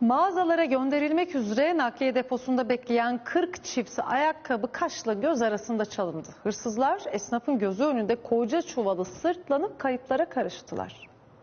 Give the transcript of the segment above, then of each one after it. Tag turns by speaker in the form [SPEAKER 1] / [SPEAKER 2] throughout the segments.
[SPEAKER 1] Mağazalara gönderilmek üzere nakliye deposunda bekleyen 40 çift ayakkabı kaşla göz arasında çalındı. Hırsızlar esnafın gözü önünde koca çuvalı sırtlanıp kayıplara karıştılar.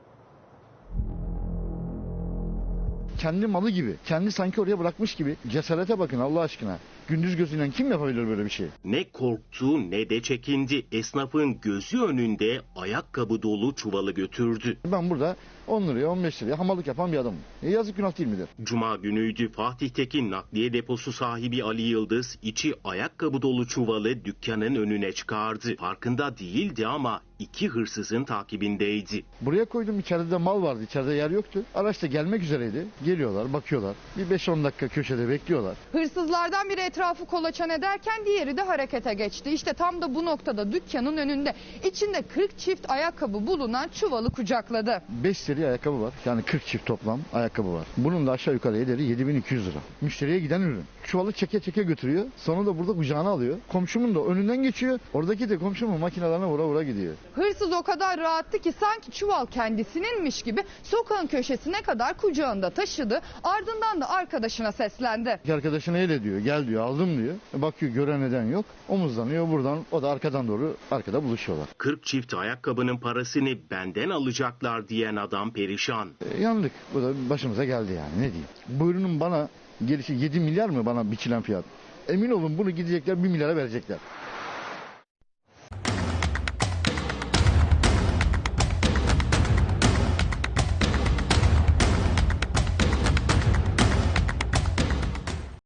[SPEAKER 2] Kendi malı gibi, kendi sanki oraya bırakmış gibi. Cesarete bakın Allah aşkına. Gündüz gözüyle kim yapabilir böyle bir şey?
[SPEAKER 3] Ne korktu ne de çekindi. Esnafın gözü önünde ayakkabı dolu çuvalı götürdü.
[SPEAKER 2] Ben burada 10 liraya 15 liraya hamallık yapan bir adamım. Yazık günah değil midir?
[SPEAKER 3] Cuma günüydü. Fatih'teki nakliye deposu sahibi Ali Yıldız içi ayakkabı dolu çuvalı dükkanın önüne çıkardı. Farkında değildi ama iki hırsızın takibindeydi.
[SPEAKER 2] Buraya koydum, içeride de mal vardı, içeride yer yoktu. Araç da gelmek üzereydi. Geliyorlar, bakıyorlar. Bir 5-10 dakika köşede bekliyorlar.
[SPEAKER 4] Hırsızlardan biri etrafı kolaçan ederken diğeri de harekete geçti. İşte tam da bu noktada dükkanın önünde içinde 40 çift ayakkabı bulunan çuvalı kucakladı.
[SPEAKER 2] 5 seri ayakkabı var. Yani 40 çift toplam ayakkabı var. Bunun da aşağı yukarı ederi 7.200 lira. Müşteriye giden ürün. Çuvalı çeke çeke götürüyor. Sonra da burada kucağına alıyor. Komşumun da önünden geçiyor. Oradaki de komşumun makinelerine vura vura gidiyor.
[SPEAKER 4] Hırsız o kadar rahattı ki sanki çuval kendisininmiş gibi sokağın köşesine kadar kucağında taşıdı. Ardından da arkadaşına seslendi.
[SPEAKER 2] Arkadaşına el ediyor. Gel diyor, aldım diyor. Bakıyor, gören neden yok. Omuzlanıyor buradan. O da arkadan doğru arkada buluşuyorlar.
[SPEAKER 3] 40 çift ayakkabının parasını benden alacaklar diyen adam perişan.
[SPEAKER 2] Yandık. Bu da başımıza geldi yani. Ne diyeyim. Bu ürünün bana gelişi 7 milyar mı bana biçilen fiyat? Emin olun bunu gidecekler 1 milyara verecekler.